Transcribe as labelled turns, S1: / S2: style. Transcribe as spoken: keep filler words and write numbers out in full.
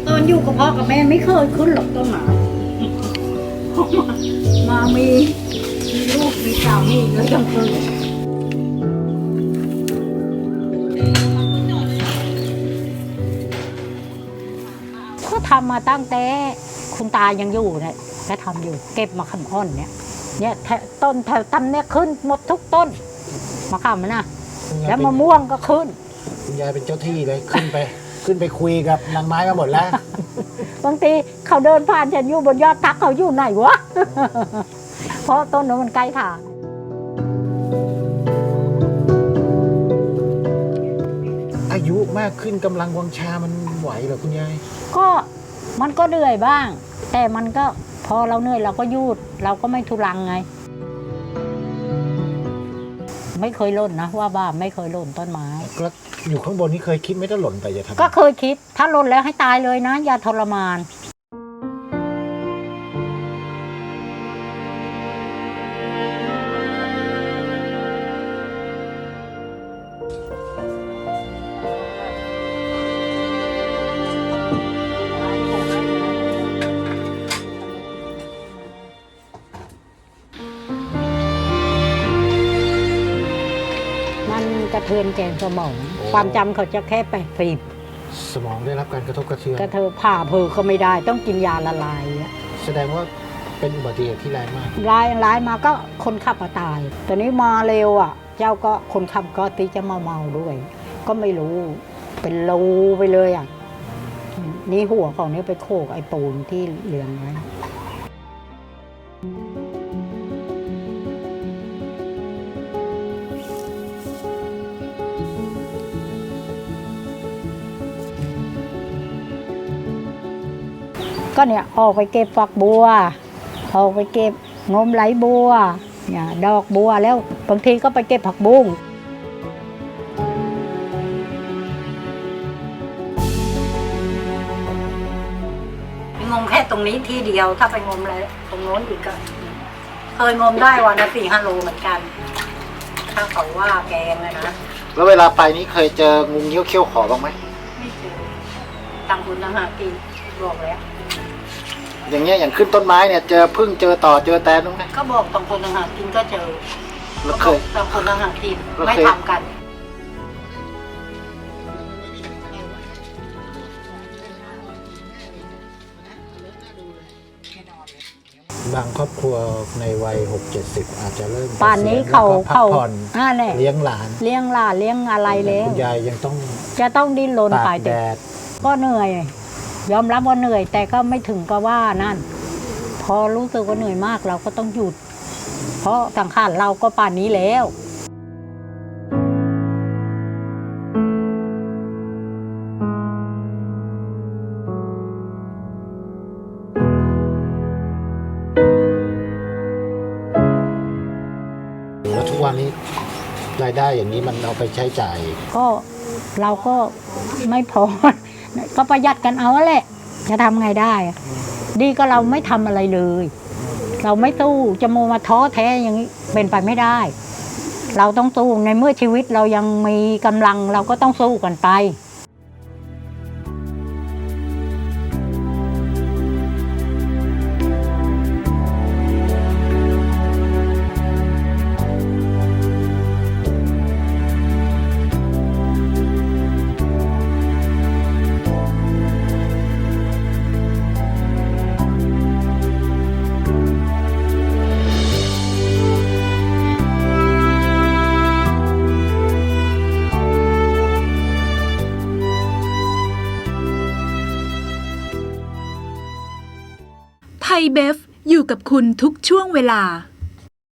S1: ตอนอยู่กับพ่อกับแม่ไม่เคยขึ้นหรอกต้นไม้มามีมีลูกมีสามีแล้วยังขึ้นก็ทำมาตั้งแต่คุณตายังอยู่เนี่ยก็ทำอยู่เก็บมาขำอ้อนเนี่ยเนี่ยต้นแถวตำเนี่ยขึ้นหมดทุกต้นมะขามมันนะแล้วมะม่วงก็ขึ้น
S2: คุณยายเป็นเจ้าที่เลยขึ้นไปขึ้นไปคุยกับนางไม้มาหมดแล้ว
S1: บางทีเขาเดินผ่านฉันอยู่บนยอดทักเขาอยู่ไหนวะเพราะต้นนั้นมันใกล้ทาง
S2: อายุมากขึ้นกำลังวังชามันไหวเหรอคุณยาย
S1: ก็มันก็เหนื่อยบ้างแต่มันก็พอเราเหนื่อยเราก็หยุดเราก็ไม่ทุรังไงไม่เคยหล่นนะว่าบ้าไม่เคยหล่นต้นไม้
S2: แล้วอยู่ข้างบนนี้เคยคิดไม่ถ้าหล่นไปจะทำ
S1: ก็เคยคิดถ้าหล่นแล้วให้ตายเลยนะอย่าทรมานกระเทือนแกนสมองความจำเขาจะแค่แปดสิบ
S2: สมองได้รับการกระทบกระเทือน
S1: กระเทือนผ่าเพอก็ไม่ได้ต้องกินยาละลาย
S2: แสดงว่าเป็นอุบัติเหตุที่แรงมาก
S1: ร้ายร้ายมาก็คนขับมาตายตอนนี้มาเร็วอ่ะเจ้าก็คนขับก็ตีจะมาเมาด้วยก็ไม่รู้เป็นรูไปเลยอ่ะนี่หัวของนี้ไปโขกไอ้ปูนที่เลี้ยงไว้ก็เนี่ยออกไปเก็บฝักบัวออกไปเก็บงมไหลบัวเนี่ยดอกบัวแล้วบางทีก็ไปเก็บผักบุ้งงมแค่ตรงนี้ที่เดียวถ้าไปงมอะไรตรงโน้นอีกก็เคยงมได้วันละสี่ห้าโลเหมือนกันถ้าเขาว่าแกงเลยนะ
S2: แล้วเวลาไปนี้เคยเจองูเงี้ยวเขี้ยวขอบ้างไหม
S1: ไม่เจอต่างคนต่างหากินบอกแล้ว
S2: อย่างเงี้ยอย่างขึ้นต้นไม้เนี่ยเจอพึ่งเจอต่อเจอแตนบ้างไหม
S1: ก็บอกต่างคนต่างหากินก็เจอแล้วเคยต่างคนต่างหากินไม่ทำกัน
S2: บางครอบครัวในวัยหกเจ็ดสิบอาจจะเริ่ม
S1: ป่านนี้เขา
S2: เขาเลี้ยงหลาน
S1: เลี้ยงหลานเลี้ยงอะไรแล้ว
S2: คุณยายยังต้อง
S1: จะต้องดิ้นรนไป
S2: แดด
S1: ก็เหนื่อยยอมรับว่าเหนื่อยแต่ก็ไม่ถึงกับว่านั่นพอรู้สึกว่าเหนื่อยมากเราก็ต้องหยุดเพราะสังขารเราก็ป่านนี้แล้ว
S2: แล้วทุกวันนี้รายได้อย่างนี้มันเอาไปใช้จ่าย
S1: ก็เราก็ไม่พอก็ประหยัดกันเอาแหละจะทำไงได้ดีก็เราไม่ทำอะไรเลยเราไม่สู้จะโมมาท้อแท้อย่างนี้เป็นไปไม่ได้เราต้องสู้ในเมื่อชีวิตเรายังมีกำลังเราก็ต้องสู้กันไป
S3: ไทยเบฟอยู่กับคุณทุกช่วงเวลา